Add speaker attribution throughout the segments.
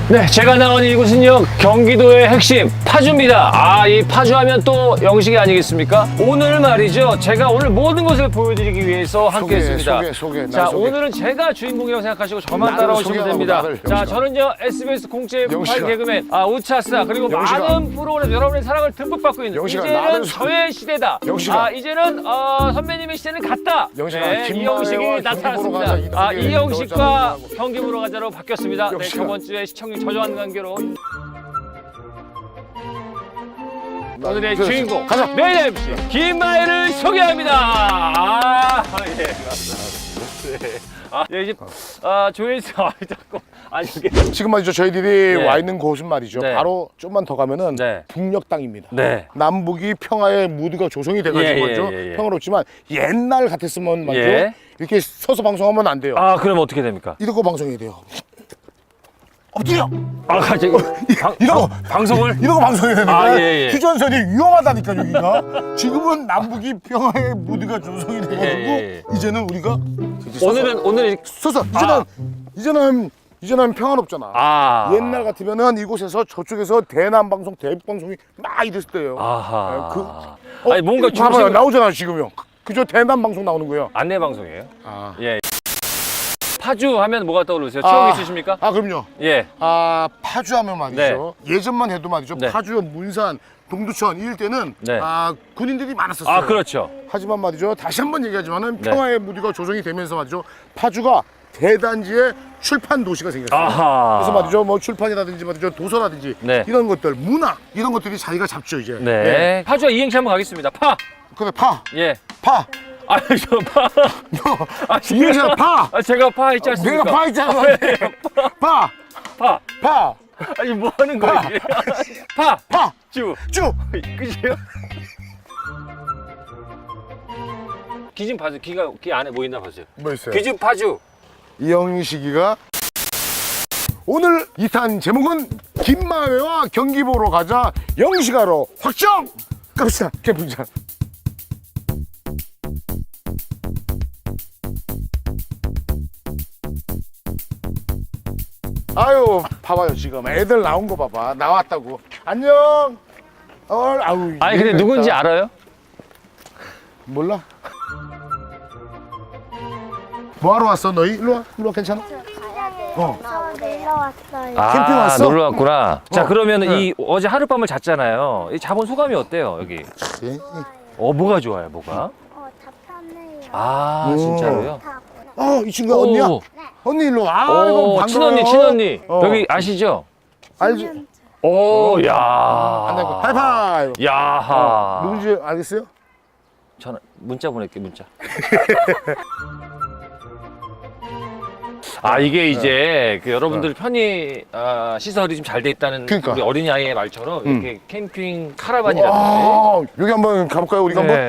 Speaker 1: 네, 제가 나온 이곳은요, 경기도의 핵심 파주입니다. 이 파주하면 또 영식이 아니겠습니까? 오늘 말이죠, 제가 오늘 모든 것을 보여드리기 위해서 함께 했습니다.
Speaker 2: 소개.
Speaker 1: 자, 오늘은 제가 주인공이라고 생각하시고 저만 따라오시면 됩니다. 자, 저는요, SBS 공채 무팔 개그맨 우차스타 그리고 많은 프로그램 여러분의 사랑을 듬뿍 받고 있는 이제는 저의 시대다. 이제는 선배님의 시대는 갔다. 네, 이영식이 나타났습니다. 이영식과 경기 보러 가자로 바뀌었습니다. 네, 저번 주에 시청률 저조한 관계로 오늘의 주인공 메인 MC 김마애를 소개합니다. 예, 맞습니다. 예, 이제 조회수 자꾸 이게
Speaker 2: 지금 말이죠, 저희들이
Speaker 1: 네.
Speaker 2: 와 있는 곳은 말이죠,
Speaker 1: 네.
Speaker 2: 바로 좀만 더 가면은
Speaker 1: 네.
Speaker 2: 북녘 땅입니다.
Speaker 1: 네.
Speaker 2: 남북이 평화의 무드가 조성이 돼가지고 말이죠, 평화롭지만 옛날 같았으면 말이죠, 이렇게 서서 방송하면 안 돼요.
Speaker 1: 그럼 어떻게 됩니까?
Speaker 2: 이러고 방송해야 돼요. 엎드려!
Speaker 1: 갑자기 방송을?
Speaker 2: 이러고 방송해야 되니까 휴전선이 위험하다니까 여기가. 지금은 남북이 평화의 무드가 조성이 돼가지고 이제는 우리가
Speaker 1: 오늘은
Speaker 2: 서서 이제는 평화롭잖아. 옛날 같으면은 이곳에서 저쪽에서 대남 방송, 대북 방송이 막 이랬을 때예요.
Speaker 1: 뭔가
Speaker 2: 봐봐요, 나오잖아 지금요. 그저 대남 방송 나오는 거예요.
Speaker 1: 안내 방송이에요? 예. 파주 하면 뭐가 떠오르세요? 추억 있으십니까?
Speaker 2: 그럼요.
Speaker 1: 예.
Speaker 2: 파주 하면 말이죠. 예전만 해도 말이죠. 파주, 문산, 동두천 이럴 때는 군인들이 많았었어요.
Speaker 1: 그렇죠.
Speaker 2: 하지만 말이죠, 다시 한번 얘기하지만은 평화의 무드가 조성이 되면서 말이죠, 파주가 대단지의 출판 도시가 생겼어요. 그래서 말이죠, 뭐 출판이라든지 말이죠, 도서라든지 이런 것들, 문화 이런 것들이 자기가 잡죠 이제.
Speaker 1: 네. 파주와 이행시 한번 가겠습니다.
Speaker 2: 그래, 파.
Speaker 1: 예.
Speaker 2: 파.
Speaker 1: 저 파.
Speaker 2: 이행시는 파.
Speaker 1: 제가 파 있지 않습니까?
Speaker 2: 내가 파 있잖아. 파.
Speaker 1: 뭐 하는 거야 이게? 파. 쭉. 끝이에요? 귀 좀 봐줘. 귀 안에 뭐 있나 보세요.
Speaker 2: 뭐 있어요?
Speaker 1: 귀 좀 파주.
Speaker 2: 이영식이가 오늘 2탄 제목은 김마애와 경기 보러 가자 영식하러 확정! 갑시다, 캠핑장. 아유, 봐봐요, 지금 애들 나온 거 봐봐. 나왔다고. 안녕.
Speaker 1: 근데 누군지 알아요?
Speaker 2: 몰라. 뭐하러 왔어 너희? 일로 와, 괜찮아?
Speaker 3: 놀러 왔어요.
Speaker 2: 캠핑 왔어?
Speaker 1: 놀러 왔구나. 자, 그러면 이 어제 하룻밤을 잤잖아요. 이 자본 소감이 어때요, 여기? 뭐가 좋아요, 뭐가?
Speaker 3: 다 편해요.
Speaker 1: 진짜로요?
Speaker 2: 이 친구가 언니야?
Speaker 1: 네.
Speaker 2: 언니 일로 와. 반가워요.
Speaker 1: 친언니. 여기 아시죠?
Speaker 2: 알지?
Speaker 1: 야.
Speaker 2: 하이파이브.
Speaker 1: 야하.
Speaker 2: 누군지 알겠어요?
Speaker 1: 전화, 문자 보낼게, 문자. 이게 이제 그 여러분들 편의 시설이 좀 잘 돼 있다는
Speaker 2: 그러니까.
Speaker 1: 우리 어린이 아이의 말처럼 이렇게 캠핑 카라반이라든지.
Speaker 2: 여기 한번 가볼까요, 우리가 한번?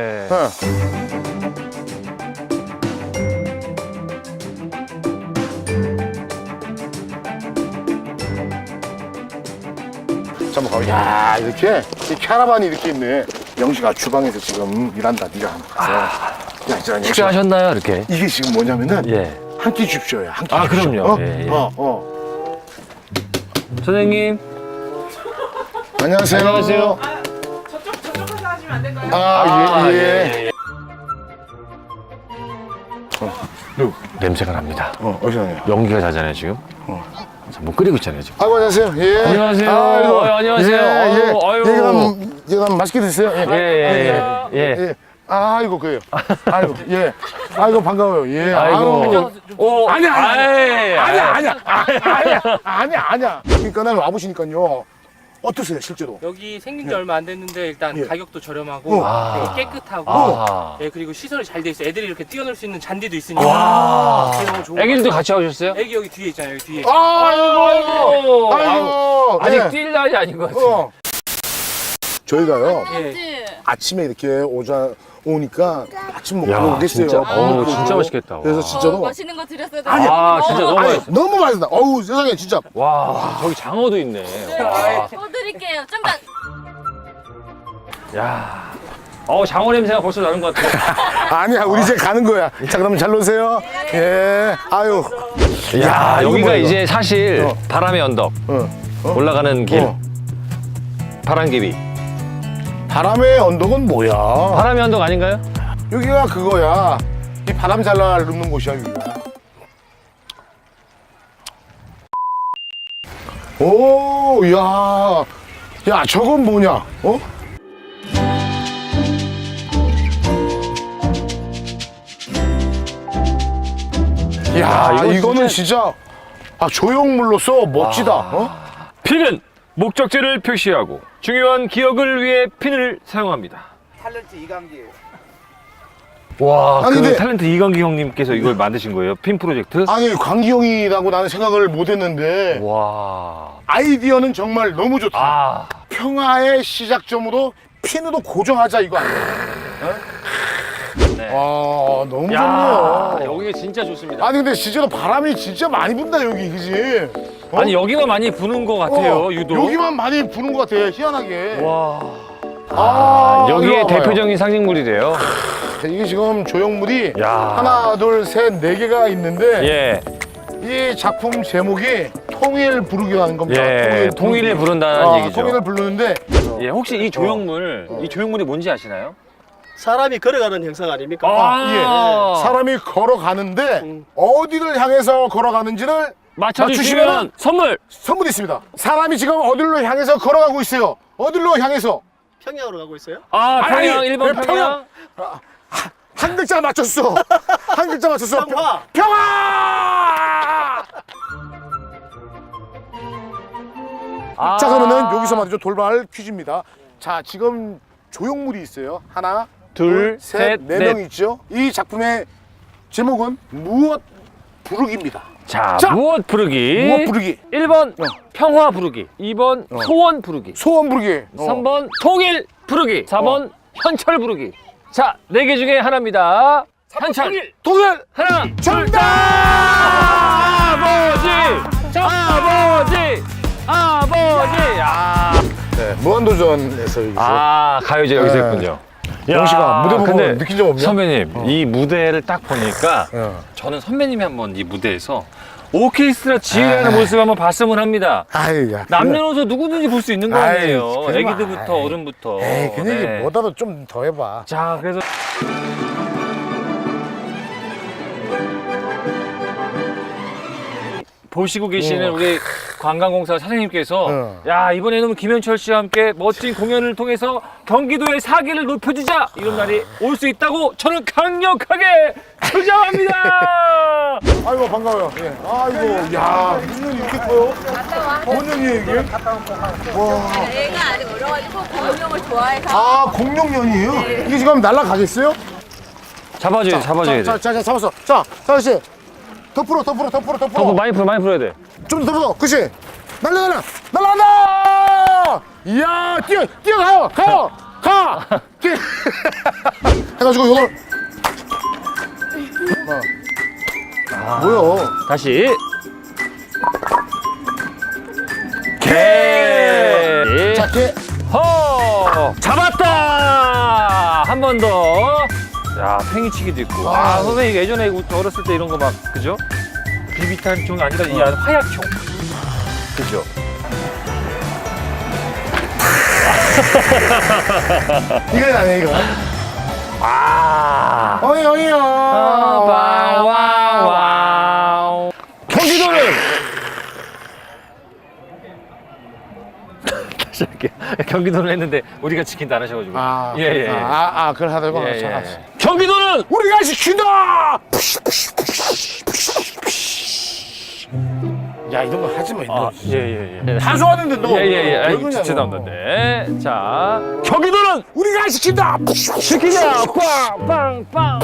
Speaker 2: 한번 가보자. 야, 이렇게 이 캐러반이 이렇게 있네. 영식아 주방에서 지금 일한다. 네가 한번 가서.
Speaker 1: 식사하셨나요, 이렇게?
Speaker 2: 이게 지금 뭐냐면은 한 끼 줍쇼야. 한 끼.
Speaker 1: 그럼요. 선생님.
Speaker 2: 안녕하세요.
Speaker 1: 안녕하세요.
Speaker 3: 저쪽으로 하시면 안 될까요?
Speaker 2: 예.
Speaker 1: 냄새가 납니다.
Speaker 2: 어디서 나요?
Speaker 1: 연기가 자잖아요, 지금. 자, 뭐 끓이고 있잖아요, 지금.
Speaker 2: 안녕하세요. 예.
Speaker 1: 안녕하세요. 안녕하세요.
Speaker 2: 이거 맛있게 드세요.
Speaker 1: 예.
Speaker 2: 아이고, 그래요. 아이고, 반가워요. 예. 아니야. 그러니까 난 와보시니까요. 어떠세요, 실제로?
Speaker 4: 여기 생긴 지 얼마 안 됐는데 일단 가격도 저렴하고 되게 깨끗하고 그리고 시설이 잘 돼 있어요. 애들이 이렇게 뛰어놀 수 있는 잔디도 있으니까 너무 좋은
Speaker 1: 애기들도 같이 오셨어요?
Speaker 4: 애기 여기 뒤에 있잖아요. 여기 뒤에.
Speaker 2: 아이고.
Speaker 1: 아직 뛸 날이 아닌 것 같아요.
Speaker 2: 저희가요,
Speaker 4: 예.
Speaker 2: 아침에 이렇게 오니까 아침 먹고 오겠어요.
Speaker 1: 진짜 맛있겠다.
Speaker 2: 그래서 진짜로.
Speaker 3: 맛있는 거 드렸어요.
Speaker 1: 진짜 너무 맛있어.
Speaker 2: 너무 맛있다. 어우, 세상에, 진짜.
Speaker 1: 저기 장어도 있네.
Speaker 3: 또 드릴게요. 좀 더.
Speaker 1: 야. 장어 냄새가 벌써 나는 것 같아요.
Speaker 2: 아니야, 우리 이제 가는 거야. 자, 그러면 잘 노세요. 예. 아유.
Speaker 1: 야,
Speaker 2: 이거
Speaker 1: 여기가
Speaker 2: 뭐야,
Speaker 1: 이제 사실
Speaker 2: 어.
Speaker 1: 바람의 언덕.
Speaker 2: 어.
Speaker 1: 올라가는 길.
Speaker 2: 어.
Speaker 1: 바람개비.
Speaker 2: 바람의 언덕은 뭐야?
Speaker 1: 바람의 언덕 아닌가요?
Speaker 2: 여기가 그거야. 이 바람 잘 눕는 곳이야, 여기가. 오, 야. 야, 저건 뭐냐? 어? 야,
Speaker 1: 이거
Speaker 2: 이거는 진짜 조형물로서 멋지다. 어?
Speaker 1: 핀은 목적지를 표시하고 중요한 기억을 위해 핀을 사용합니다.
Speaker 5: 탤런트 이강기예요.
Speaker 1: 와,
Speaker 2: 아니,
Speaker 1: 그
Speaker 2: 근데-
Speaker 1: 탤런트 이광기 형님께서 이걸 만드신 거예요? 핀 프로젝트?
Speaker 2: 아니, 광기형이라고 나는 생각을 못 했는데
Speaker 1: 와.
Speaker 2: 아이디어는 정말 너무 좋다.
Speaker 1: 아,
Speaker 2: 평화의 시작점으로 핀으로 고정하자 이거 아니야?
Speaker 1: 네.
Speaker 2: 아, 너무
Speaker 1: 야,
Speaker 2: 좋네요.
Speaker 1: 여기가 진짜 좋습니다.
Speaker 2: 아니 근데 진짜로 바람이 진짜 많이 분다 여기, 그지? 어?
Speaker 1: 아니, 여기만 많이 부는 것 같아요,
Speaker 2: 어,
Speaker 1: 유독.
Speaker 2: 여기만 많이 부는 것 같아, 희한하게.
Speaker 1: 와.
Speaker 2: 이거
Speaker 1: 여기에
Speaker 2: 봐봐요.
Speaker 1: 대표적인 상징물이래요.
Speaker 2: 이게 지금 조형물이
Speaker 1: 야.
Speaker 2: 하나, 둘, 셋, 네 개가 있는데
Speaker 1: 예.
Speaker 2: 이 작품 제목이 통일 부르기라는 겁니다.
Speaker 1: 예, 통일을 부른다는 얘기죠.
Speaker 2: 통일을 부르는데
Speaker 1: 예, 혹시 이 조형물, 이 조형물이 뭔지 아시나요?
Speaker 5: 사람이 걸어가는 형상 아닙니까?
Speaker 2: 예. 사람이 걸어가는데 어디를 향해서 걸어가는지를
Speaker 1: 맞춰주시면 선물!
Speaker 2: 선물이 있습니다. 사람이 지금 어디로 향해서 걸어가고 있어요. 어디로 향해서?
Speaker 5: 평양으로 가고 있어요?
Speaker 1: 아, 평양,
Speaker 2: 아니,
Speaker 1: 1번
Speaker 2: 왜
Speaker 1: 평양?
Speaker 2: 한 글자 맞췄어. 한 글자 맞췄어.
Speaker 5: 평화.
Speaker 2: 평화!
Speaker 1: 아.
Speaker 2: 자, 그러면은 여기서 말이죠. 돌발 퀴즈입니다. 자, 지금 조형물이 있어요. 하나,
Speaker 1: 둘, 셋,
Speaker 2: 네
Speaker 1: 넷.
Speaker 2: 명 있죠. 이 작품의 제목은 무엇 부르기입니다.
Speaker 1: 자,
Speaker 2: 자,
Speaker 1: 무엇 부르기?
Speaker 2: 무엇 부르기?
Speaker 1: 1번 평화 부르기, 2번 소원 부르기,
Speaker 2: 소원 부르기.
Speaker 1: 3번 통일 부르기, 4번 현철 부르기. 자, 4개 중에 하나입니다. 현철.
Speaker 2: 통일!
Speaker 1: 하나,
Speaker 2: 정답!
Speaker 1: 아버지! 아버지! 야.
Speaker 2: 네, 무한도전에서 여기서.
Speaker 1: 가요제 여기서
Speaker 2: 네.
Speaker 1: 했군요.
Speaker 2: 영식아, 무대 보고
Speaker 1: 근데
Speaker 2: 느낀 점 없냐?
Speaker 1: 선배님, 이 무대를 딱 보니까
Speaker 2: 어.
Speaker 1: 저는 선배님이 한번 이 무대에서 오케스트라 지휘하는 모습 한번 봤으면 합니다.
Speaker 2: 아유, 야.
Speaker 1: 남녀노소 누구든지 볼 수 있는 거
Speaker 2: 아이,
Speaker 1: 아니에요.
Speaker 2: 그러면
Speaker 1: 애기들부터
Speaker 2: 아이.
Speaker 1: 어른부터.
Speaker 2: 에이, 그 얘기
Speaker 1: 네.
Speaker 2: 뭐라도 좀 더 해봐.
Speaker 1: 자, 그래서 보시고 계시는 우리 관광공사 사장님께서 야, 이번에는 김현철 씨와 함께 멋진 공연을 통해서 경기도의 사기를 높여주자, 이런 날이 올 수 있다고 저는 강력하게 주장합니다.
Speaker 2: 아이고, 반가워요. 예. 아이고, 야, 무슨 년이 이렇게 커요? 뭔 년이에요, 이게? 와.
Speaker 3: 애가 아직 어려가지고 공룡을 좋아해서
Speaker 2: 아, 공룡년이에요? 이게 지금 날아가겠어요?
Speaker 1: 잡아줘야 돼, 잡아줘야 돼.
Speaker 2: 자, 잡았어. 자, 사장씨. 더 풀어.
Speaker 1: 더 많이 풀어야 돼.
Speaker 2: 좀 더 풀어. 그치? 날라간다! 이야, 뛰어가요! 가! 뛰어! 해가지고 요걸. 뭐야?
Speaker 1: 다시. 개.
Speaker 2: 자, 걔.
Speaker 1: 허! 잡았다! 한 번 더. 자, 팽이치기도 있고. 선생님 예전에 어렸을 때 이런 거 막, 그죠? 비비탄 총이 아니라 이 안에 화약총. 그죠?
Speaker 2: 이건 아니야, 이거. 어이요.
Speaker 1: 와와와. 경기도는 다시 할게요. 경기도를 했는데 우리가 지킨다 안 하셔가지고. 예.
Speaker 2: 그걸 하다가.
Speaker 1: 예,
Speaker 2: 자,
Speaker 1: 예. 경기도는
Speaker 2: 우리가 시킨다! 야, 이런 거 하지 마, 이런 거.
Speaker 1: 예.
Speaker 2: 다 좋아하는데 너.
Speaker 1: 예.
Speaker 2: 왜 그러냐고.
Speaker 1: 죄송합니다. 네. 자, 경기도는
Speaker 2: 우리가 시킨다!
Speaker 1: 시키자. 빵빵빵.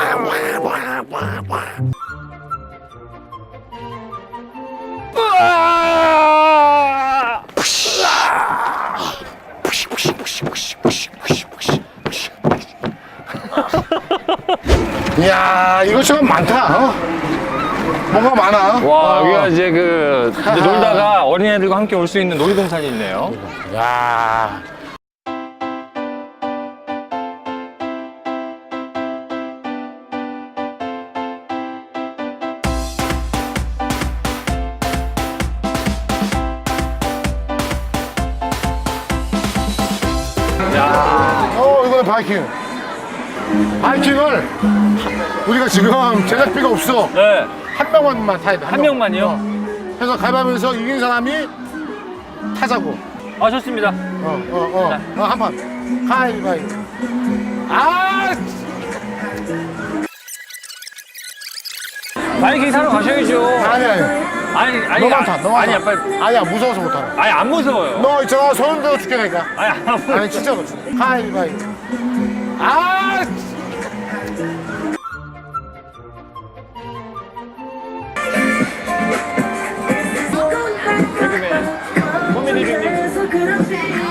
Speaker 2: 이야, 이거 좀 많다. 어? 뭐가 많아.
Speaker 1: 와, 여기가 이제 이제 놀다가 어린애들과 함께 올 수 있는 놀이동산이 있네요.
Speaker 2: 야. 이거는 바이킹. 바이킹을 우리가 지금 제작비가 없어.
Speaker 1: 네.
Speaker 2: 한 명만 타야 돼.
Speaker 1: 한 명만요?
Speaker 2: 그래서 가위바위보에서 이긴 사람이 타자고.
Speaker 1: 아, 좋습니다.
Speaker 2: 한 판. 가위바위보. 아!
Speaker 1: 바이킹 타러 가셔야죠.
Speaker 2: 아니. 너만 타.
Speaker 1: 아니, 빨리.
Speaker 2: 아니야, 무서워서 못 타네.
Speaker 1: 아니, 안 무서워요.
Speaker 2: 너 있잖아, 소름 돋아 죽겠다니까.
Speaker 1: 아니, 안 무서워요.
Speaker 2: 아니, 진짜로. 가위바위보. 아!
Speaker 1: 개그맨. 코미디 빅님.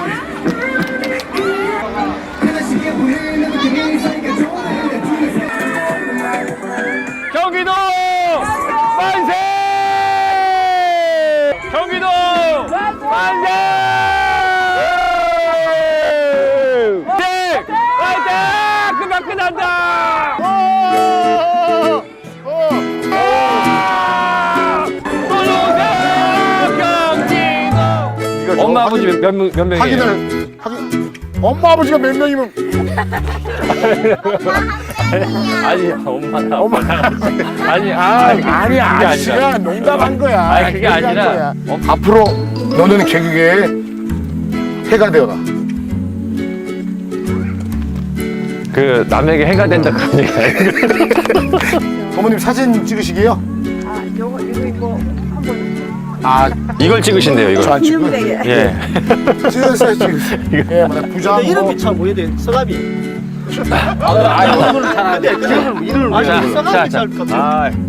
Speaker 1: 경기도 만세! 경기도 만세! 네! 화이팅! 금방 끝난다! 경기도! 엄마 아버지 몇 명이에요?
Speaker 2: 확인. 엄마 아버지가 몇 명이면
Speaker 1: 아니 엄마나 아니
Speaker 2: 아니 아저씨가 농담한 거야.
Speaker 1: 아니 그게
Speaker 2: 농담한
Speaker 1: 아니라
Speaker 2: 거야. 앞으로 너는 개그계의 해가 되어라.
Speaker 1: 그 남에게 해가 된다 그런 얘기 아니에요?
Speaker 2: 어머님 사진 찍으시게요?
Speaker 3: 아, 이거 한번
Speaker 2: 아
Speaker 1: 이걸 찍으신대요 이걸.
Speaker 2: 저안 찍고.
Speaker 1: 예.
Speaker 2: 찍었어요. 예, 부자.
Speaker 5: 근데 이름이 참 뭐예요? 성함이.
Speaker 1: 이거는 잘
Speaker 5: 근데 이름을
Speaker 1: 자,
Speaker 5: 성함이
Speaker 1: 자,
Speaker 5: 잘 같아요.